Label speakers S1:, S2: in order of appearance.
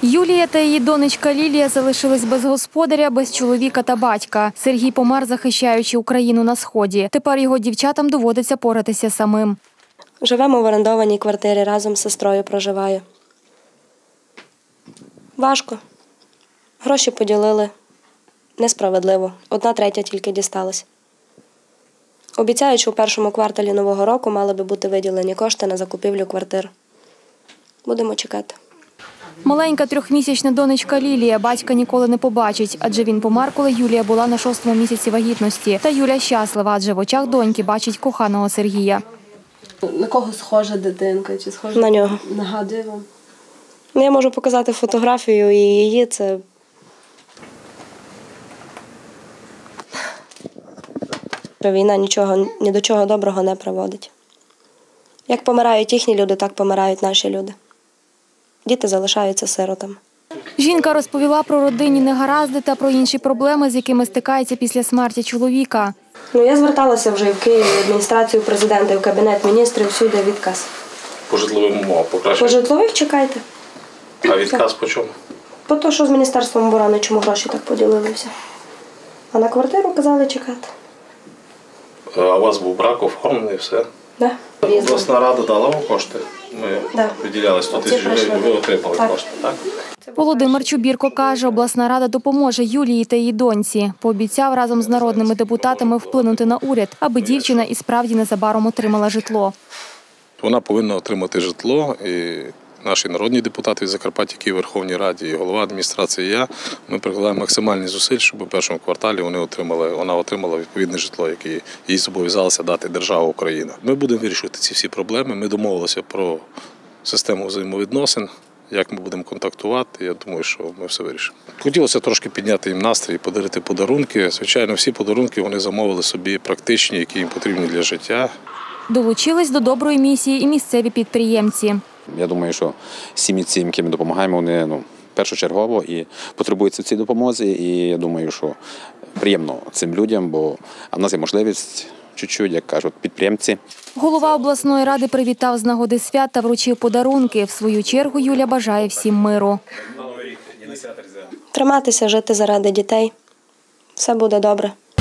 S1: Юлія та її донечка Лілія залишились без господаря, без чоловіка та батька. Сергій помер, захищаючи Україну на Сході. Тепер його дівчатам доводиться поратися самим.
S2: Живемо в орендованій квартирі, разом з сестрою проживаю. Важко. Гроші поділили. Несправедливо. 1/3 тільки дісталась. Обіцяють, що у першому кварталі нового року мали би бути виділені кошти на закупівлю квартир. Будемо чекати.
S1: Маленька 3-місячна донечка Лілія батька ніколи не побачить, адже він помер, коли Юлія була на 6-му місяці вагітності. Та Юля щаслива, адже в очах доньки бачить коханого Сергія.
S3: На кого схожа дитинка? Чи схожа?
S2: На нього.
S3: Нагадує вам?
S2: Я можу показати фотографію і її. Це війна ні до чого доброго не приводить. Як помирають їхні люди, так помирають наші люди. Діти залишаються сиротами.
S1: Жінка розповіла про родинні негаразди та про інші проблеми, з якими стикається після смерті чоловіка.
S2: Я зверталася вже і в Києві, в адміністрацію президента, і в Кабінет міністрів, всюди відказ.
S4: По житловим умовам покраще?
S2: По житлових чекайте.
S4: А відказ по чому?
S2: По те, що з Міністерством оборони, чому гроші так поділилися. А на квартиру казали чекати.
S4: А у вас був брак оформлений, все?
S2: Да.
S4: Обласна рада дала вам кошти? Ми виділяли 100 тисяч гривень, ви отримали кошти, так?
S1: Володимир Чубірко каже, обласна рада допоможе Юлії та її доньці. Пообіцяв разом з народними депутатами вплинути на уряд, аби дівчина і справді незабаром отримала житло.
S4: Вона повинна отримати житло, і наші народні депутати від Закарпаття, які в Верховній Раді, і голова адміністрації, і я, ми прикладаємо максимальні зусиль, щоб у першому кварталі вона отримала відповідне житло, яке їй зобов'язалася дати держава Україна. Ми будемо вирішувати ці всі проблеми, ми домовилися про систему взаємовідносин, як ми будемо контактувати, я думаю, що ми все вирішимо. Хотілося трошки підняти їм настрій, подарити подарунки. Звичайно, всі подарунки вони замовили собі практичні, які їм потрібні для життя. Долучились до доброї місії і місцеві підприємці.
S5: Я думаю, що сім'ї, яким ми допомагаємо, вони першочергово і потребують цій допомозі. І я думаю, що приємно цим людям, бо в нас є можливість чуть-чуть, як кажуть, підприємці.
S1: Голова обласної ради привітав з нагоди свят та вручив подарунки. В свою чергу Юля бажає всім миру.
S2: Триматися, жити заради дітей. Все буде добре.